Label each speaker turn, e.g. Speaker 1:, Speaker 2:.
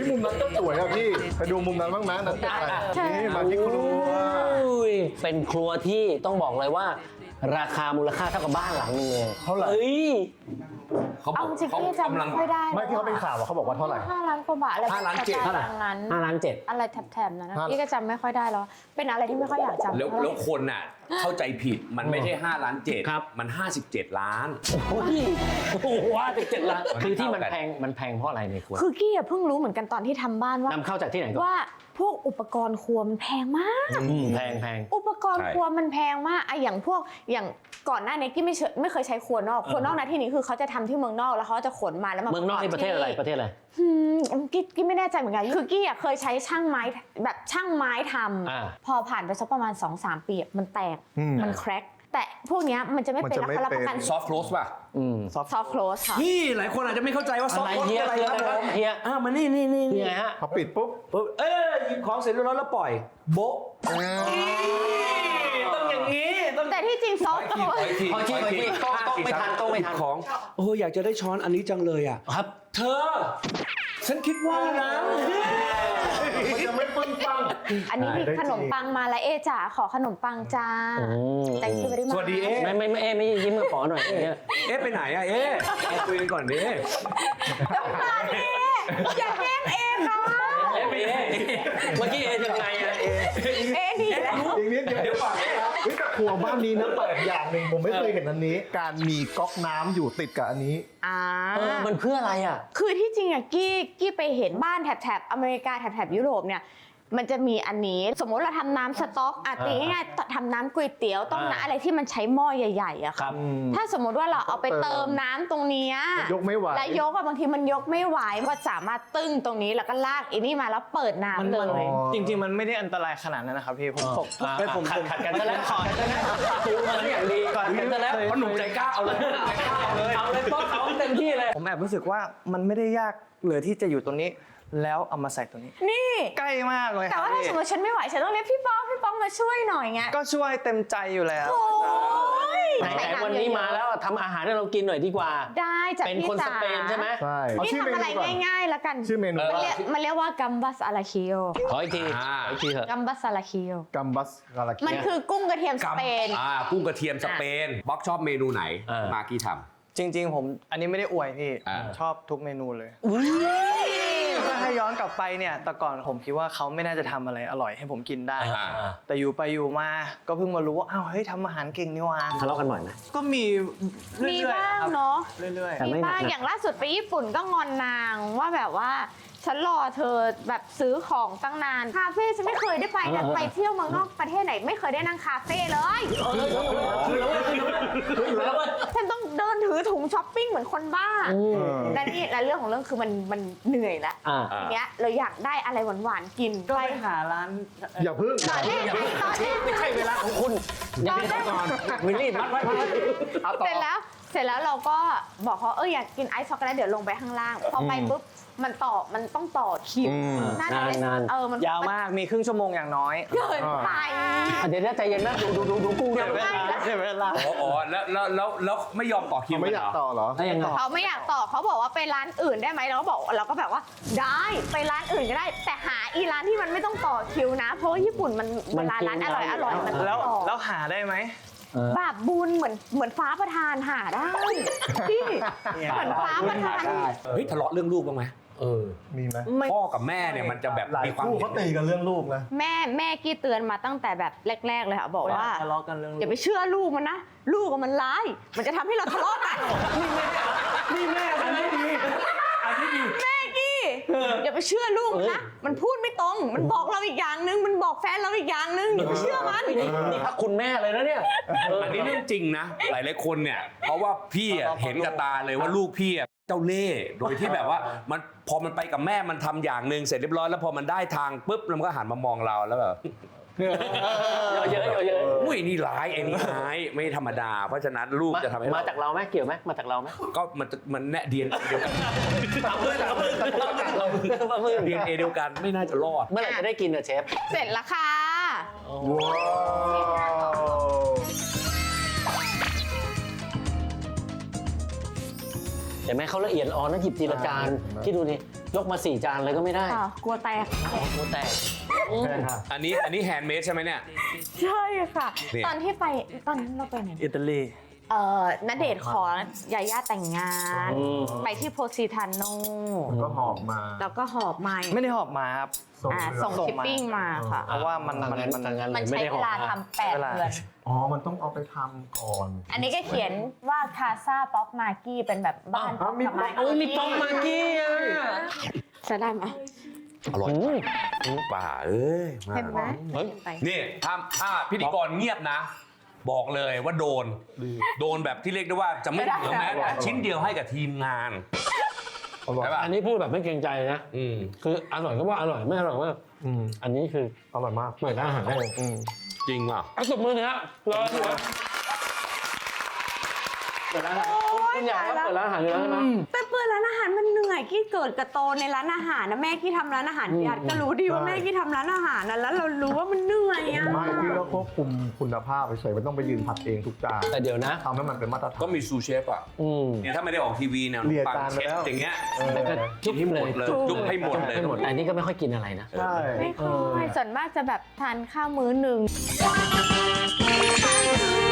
Speaker 1: ยมุมนั้นก็สวยอะพี่ไปดูมุมนั้นบ้างนะนั่นนี่มาที่ครัว
Speaker 2: เป็นครัวที่ต้องบอกเลยว่า ราคามูลค่าเท่ากับบ้านหลังนึงเลย
Speaker 1: เท่าไหร่
Speaker 3: เขาบ
Speaker 4: เอา
Speaker 3: อก
Speaker 4: จริง
Speaker 3: เขา
Speaker 4: พี่จำ
Speaker 3: กำลั
Speaker 4: ไม่
Speaker 3: ง
Speaker 4: ค่อยได้
Speaker 1: ไม่ที่เขาเป็นข่าวเขาบอกว่าเท่าไหร่
Speaker 4: 5 ล้านกว่าบาทอะไร
Speaker 3: 5 ล้าน 7
Speaker 4: เท่านั้น
Speaker 2: 5 ล้าน 7
Speaker 4: อะไรแถบๆนั้นนะพี่ก็จำไม่ค่อยได้แล้วเป็นอะไรที่ไม่ค่อยอยากจำ
Speaker 3: แล้วคนน่ะเข้าใจผิดมันไม่ใช่5 ล้าน 7
Speaker 2: ครับ
Speaker 3: มัน57 ล้าน
Speaker 2: โอ้โหว่าจะ7 ล้านคือที่มัน
Speaker 3: เท่ากัน
Speaker 2: แพงเพราะอะไรในครัว
Speaker 4: คือกี้เพิ่งรู้เหมือนกันตอนที่ทำบ้านว่าน
Speaker 2: ำเข้าจากที่ไหนก่อน
Speaker 4: ว่าพวกอุปกรณ์ครัวมันแพงมาก
Speaker 2: แพง
Speaker 4: อุปกรณ์ครัวมันแพงมากอะอย่างก่อนหน้านี้กี้ไม่เคยใช้ครัวนอกครัวนอกนะที่นี้คือเขาจะทำที่เมืองนอกแล้วเขาจะขนมาแล้วมา
Speaker 2: เมืองนอกนี่ประเทศอะไร
Speaker 4: กี้ไม่แน่ใจเหมือนกันคือกี้อะเคยใช้ช่างไม้แบบช่างไม้ทำพอผ่านไปสักประมาณ 2-3 ปีมันแตกมันแคร็กแต่พวกเนี้ยมันจะไม่เป็นรับประกัน
Speaker 3: ซอฟต์โคลสป่ะ
Speaker 4: ซอฟต์โคลสค่ะ
Speaker 3: นี่หลายคนอาจจะไม่เข้าใจว่าซอฟต์โคลส
Speaker 2: เฮีย
Speaker 3: อะไร
Speaker 2: คือ
Speaker 3: ค
Speaker 2: อะ
Speaker 3: รับ
Speaker 2: ไร
Speaker 3: ผม
Speaker 2: เฮีย
Speaker 3: มานี่
Speaker 2: นี่ไงฮะ
Speaker 1: พอปิดปุ๊บ
Speaker 3: หยิบของเสร็จเรียบร้อยแล้วปล่อยโบ๊ะต้องอย่างนี้ต้อง
Speaker 4: แต่ที่จริงซอฟต์โคลส
Speaker 2: ขอทีต้องไม่ทัน
Speaker 3: ของโอ้อยากจะได้ช้อนอันนี้จังเลยอ่ะ
Speaker 2: ครับ
Speaker 3: เธอ ฉันคิดว่านะ
Speaker 1: มันจะไม่ปึ้งปัง
Speaker 4: อันนี้มีขนมปังมาแล้วจ๋าขอขนมปังจ้าแต่งตัวได้มา
Speaker 3: สวัสดีเอ๊ะ
Speaker 2: ไม่ยิ้มมาขอหน่อยเนี่ย
Speaker 3: เอ๊ะไปไหนอะเอ๊ะคุยกันก่อนดิ
Speaker 4: ต้องการเออย่าแกล้งเอค่ะ
Speaker 2: เมื่อกี้ยังไงอะ
Speaker 4: เอดีแล้ว
Speaker 1: อีกนิดเดียวเฮ้ยแต่ครัวบ้านนี้นะแปลกอย่างหนึ่งผมไม่เคยเห็นอันนี้ การมีก๊อกน้ำอยู่ติดกับอันนี้
Speaker 2: มันเพื่ออะไรอ่ะ
Speaker 4: คือที่จริงอะกี้ไปเห็นบ้านแถบอเมริกาแถบยุโรปเนี่ยมันจะมีอันนี้สมมติเราทำน้ำสต๊อกตีง่ายๆทำน้ำก๋วยเตี๋ยวต้มน้ำอะไรที่มันใช้หม้อใหญ่ๆอะค่ะถ้าสมมติว่าเราเอาไปเติมน้ำตรงนี้
Speaker 1: ยกไม่ไหว
Speaker 4: และยกอะบางทีมันยกไม่ไหวก็สามารถตึ้งตรงนี้แล้วก็ลากอีนี่มาแล้วเปิดน้ำเลย
Speaker 5: จริงๆมันไม่ได้อันตรายขนาดนั้นนะครับพี่ผม
Speaker 2: ขัดกันซะแล้วดูมันอย่างดีก่อนกันซะแล้ว
Speaker 3: เพราะหนุ่มใจกล้าเอาเลย
Speaker 2: เอาเลยป๊อกเขาเต็มที่เลย
Speaker 5: ผมแอบรู้สึกว่ามันไม่ได้ยากเลยที่จะอยู่ตรงนี้ แล้วเอามาใส่ตรงนี้
Speaker 4: นี่
Speaker 5: ใกล้มากเลยค
Speaker 4: แต่
Speaker 5: รับ
Speaker 4: ว่าถ้าสมมติฉันไม่ไหวฉันต้องเรียกพี่ป๊อกมาช่วยหน่อยไง
Speaker 5: ก็ช่วยเต็มใจอยู่แล้ว
Speaker 4: โอ้ย
Speaker 2: ไหนๆวันนี้มาแล้วทำอาหารให้เรากินหน่อยดีกว่า
Speaker 4: ได้จาก
Speaker 2: เป็น
Speaker 4: พี่
Speaker 2: คนส
Speaker 4: จ๋า
Speaker 2: เปนใช่ไหม
Speaker 1: ใช่
Speaker 4: นี่ทำอะไรง่ายๆแล้วกัน
Speaker 1: ชื่อเมนู
Speaker 4: มันเรียกว่ากัมบัสอาราคิโอ
Speaker 2: ขออีกทีเถอะ
Speaker 4: กัมบัสอาราคิโอ
Speaker 1: กัมบัสกาลาคิ
Speaker 4: มันคือกุ้งกระเทียมสเปน
Speaker 3: กุ้งกระเทียมสเปนบ๊อกชอบเมนูไหนมากี้ท
Speaker 5: จริงๆผมอันนี้ไม่ได้อวยพี่ ชอบทุกเมนูเลยถ้าให้ย้อนกลับไปเนี่ยแต่ก่อนผมคิดว่าเขาไม่น่าจะทำอะไรอร่อยให้ผมกินได้ แต่อยู่ไปอยู่มาก็เพิ่งมารู้ว่าอ้าวเฮ้ยทำอาหารเก่งนี่หว่า
Speaker 2: ทะเลาะกันบ่อยไหม
Speaker 5: ก็มีเรื่
Speaker 4: มี
Speaker 5: อย
Speaker 4: บ้าง
Speaker 5: ๆครับ
Speaker 4: เนาะ
Speaker 5: เรื่อย
Speaker 2: แต่ไม่
Speaker 4: มี
Speaker 2: หนัก
Speaker 4: บ้างอย่างล่าสุดไปญี่ปุ่นก็งอนนางว่าแบบว่าฉันรอเธอแบบซื้อของตั้งนานคาเฟ่ฉันไม่เคยได้ไปนะไปเที่ยวเมืองนอกประเทศไหนไม่เคยได้นั่งคาเฟ่เลยฉันต้องเดินถือถุงช้อปปิ้งเหมือนคนบ้าและนี่และเรื่องของเรื่องคือมันเหนื่อยแล้วทีเนี้ยเราอยากได้อะไรหวานๆกิน
Speaker 5: ๆก็ไปหาร้าน
Speaker 1: อย่าพึ่ง
Speaker 4: ตอนแรก
Speaker 2: ไม่ใช่เวลาของคุณยังไม่ได้ก่อนวิลลี่พักไว้
Speaker 4: เสร็จแล้วเราก็บอกเขาอยากกินไอซ์ช็อกโกแลตเดี๋ยวลงไปข้างล่างพอไปปุ๊บมันต้องต่อคิวนานมัน
Speaker 5: ยาวมากมีครึ่งชั่วโมงอย่างน้อย
Speaker 4: เกินไป
Speaker 2: เดี๋ยวใจเย็นนะดูกุ้งด้วย
Speaker 5: เสียเวลา
Speaker 3: ำอ๋อแล้วไม่ยอมต่อคิว
Speaker 1: ไม่อยากต่อเหรอ
Speaker 2: ได้ยังไง
Speaker 4: เขาไม่อยากต่อเขาบอกว่าไปร้านอื่นได้ไหมเราก็แบบว่าได้ไปร้านอื่นก็ได้ แต่หาอีร้านที่มันไม่ต้องต่อคิวนะ เพราะว่าญี่ปุ่นมันเวลาร้านอร่อยมันต้อง
Speaker 5: แล้ว
Speaker 4: ต่อ
Speaker 5: แล้วหาได้ไหม
Speaker 4: บาปบุญเหมือนฟ้าประทานหาได้พี่เหมือนฟ้าประทาน
Speaker 3: เฮ้ยทะเลาะเรื่องลูกบ้างไหม
Speaker 1: มีไหม
Speaker 3: พ่อกับแม่เนี่ยมันจะแบบ
Speaker 1: หลาย
Speaker 3: มีความ
Speaker 1: คู่เขาตีกันเรื่องลูกนะ
Speaker 4: แม่กี้เตือนมาตั้งแต่แบบแรกๆเลยค่ะบอกว่า
Speaker 5: ทะเลาะกันเรื่อง
Speaker 4: อย่าไปเชื่อลูกมันนะลูกมันร้ายมันจะทำให้เราทะเลาะกัน
Speaker 3: นี่แม่อันนี้ดีอันนี้ดี
Speaker 4: แม่กี้อย่าไปเชื่อลูกมันนะมันพูดไม่ตรงมันบอกเราอีกอย่างนึงมันบอกแฟนเราอีกอย่างนึงอย่าไปเชื่อมัน
Speaker 2: นี่พักคุณแม่เลยนะเนี่ย
Speaker 3: อันนี้เรื่องจริงนะหลายๆคนเนี่ยเพราะว่าพี่เห็นกับตาเลยว่าลูกพี่เจ้าเล่ห์โดยที่แบบว่ามันพอมันไปกับแม่มันทำอย่างหนึ่งเสร็จเรียบร้อยแล้วพอมันได้ทางปุ๊บมันก็หันมามองเราแล้วแบบ
Speaker 2: เยอะ
Speaker 3: อุ้ยนี่ร้ายไอ้นี่ร้ายไม่ธรรมดา เพราะฉะนั้นลูกจะทำให้
Speaker 2: มาจากเราไหมเกี่ยวไหมมาจากเราไหม
Speaker 3: ก็มันแน่เดียนเดียวกัน
Speaker 2: เอาเพื่อน
Speaker 3: เดียนเดียวกันไม่น่าจะรอด
Speaker 2: เมื่อไหร่จะได้กินอะเชฟ
Speaker 4: เสร็จแล้วค่ะ
Speaker 1: ว้าว
Speaker 2: เห็นไหมเขาละเอียดอ่อนนะหยิบทีละจานที่ดูนี่ยกมา4 จานเลยก็ไม่ได้
Speaker 4: ค่ะกลัวแตก
Speaker 2: โอ้แตก
Speaker 1: ใช่ค่ะ
Speaker 3: อันนี้แฮนด์เมดใช่ไหมเนี่ย
Speaker 4: ใช่ค่ะ
Speaker 3: นี่
Speaker 4: ตอนที่ไปตอนนั้นเราไปไหน
Speaker 5: อิตาลี
Speaker 4: ณเดชน์ขอยาย่าแต่งงาน ไปที่โพซิทานโน
Speaker 1: ก็หอบมา
Speaker 4: แล้วก็หอบมา
Speaker 5: ไม่ได้หอบมาครับ
Speaker 4: ส่งชิปปิ้งมาค่ะ
Speaker 5: เพราะว่ามัน
Speaker 2: ทางนั้น
Speaker 4: มัน
Speaker 2: เลยไม่
Speaker 4: ใช้
Speaker 2: ได้
Speaker 4: เว
Speaker 2: หอบ
Speaker 4: ลา
Speaker 2: นะ
Speaker 4: ทำ8 เดือน
Speaker 1: อ๋อ มันต้องเอาไปทำก่อน
Speaker 4: อันนี้ก็เขียนว่าคาซาป๊อกมากี้เป็นแบบบ้าน
Speaker 1: อ้าวมี
Speaker 4: กับไม้
Speaker 2: โอ้ยมีป๊อกมากกี้อ่ะ
Speaker 4: จะได้ไหม
Speaker 3: อร่อยป่าเอ้ยมา
Speaker 4: เห็นไหม
Speaker 2: เฮ้ย
Speaker 4: ไป
Speaker 3: นี่ถ้าพิธีกรเงียบนะ บอกเลยว่าโดนแบบที่เรียกได้ว่าจะไม่เหลือแม้แต่ชิ้นเดียวให้กับทีมงาน
Speaker 1: อร่อย
Speaker 3: ใช่ป่ะ
Speaker 2: อันนี้พูดแบบไม่เกรงใจนะ คืออร่อยก็ว่าอร่อยไม่อร่อยว่า อันนี้คือ
Speaker 1: อร่อยมาก
Speaker 2: เหมือนร้านอาหารได้
Speaker 3: จริงอ่ะ
Speaker 2: เอาตบมือหนะฮะรอหัวเปิดร้านอาหารคุณอยากว่าเปิดร้านอาหารอยู่แล้วใช่ไหม
Speaker 4: ไปเปิดร้านอาหารมันเหนื่อยกี้เกิดกระโตในร้านอาหารนะแม่กี้ทำร้านอาหารพี่อัดก็รู้ดีว่าแม่กี้ทำร้านอาหารนะแล้วเรารู้ว่ามันเหนื่อยอ่ะ
Speaker 1: ไม่พี่ก็ควบคุมคุณภาพเฉยๆไม่ต้องไปยืนผัดเองทุกจาน
Speaker 2: แต่เดี๋ยวนะ
Speaker 1: ทำให้มันเป็นมาตรฐาน
Speaker 3: ก็มีซูเชฟอ่ะ เนี่ยถ้าไม่ได้ออกทีวีเนี่ย
Speaker 1: เรีย
Speaker 3: ปัง
Speaker 1: จานไป
Speaker 3: เช็ด
Speaker 1: แล้ว
Speaker 3: อย่างเงี้ย
Speaker 2: แล้วก็จุ๊บให้หมดเลย
Speaker 3: จุ๊บให้หมดเลย
Speaker 2: ให้หมดแต่อันนี้ก็ไม่ค่อยกินอะไรนะ
Speaker 1: ใช่
Speaker 4: ไม่ค่อยส่วนมากจะแบบทานข้าวมื้อหนึ่ง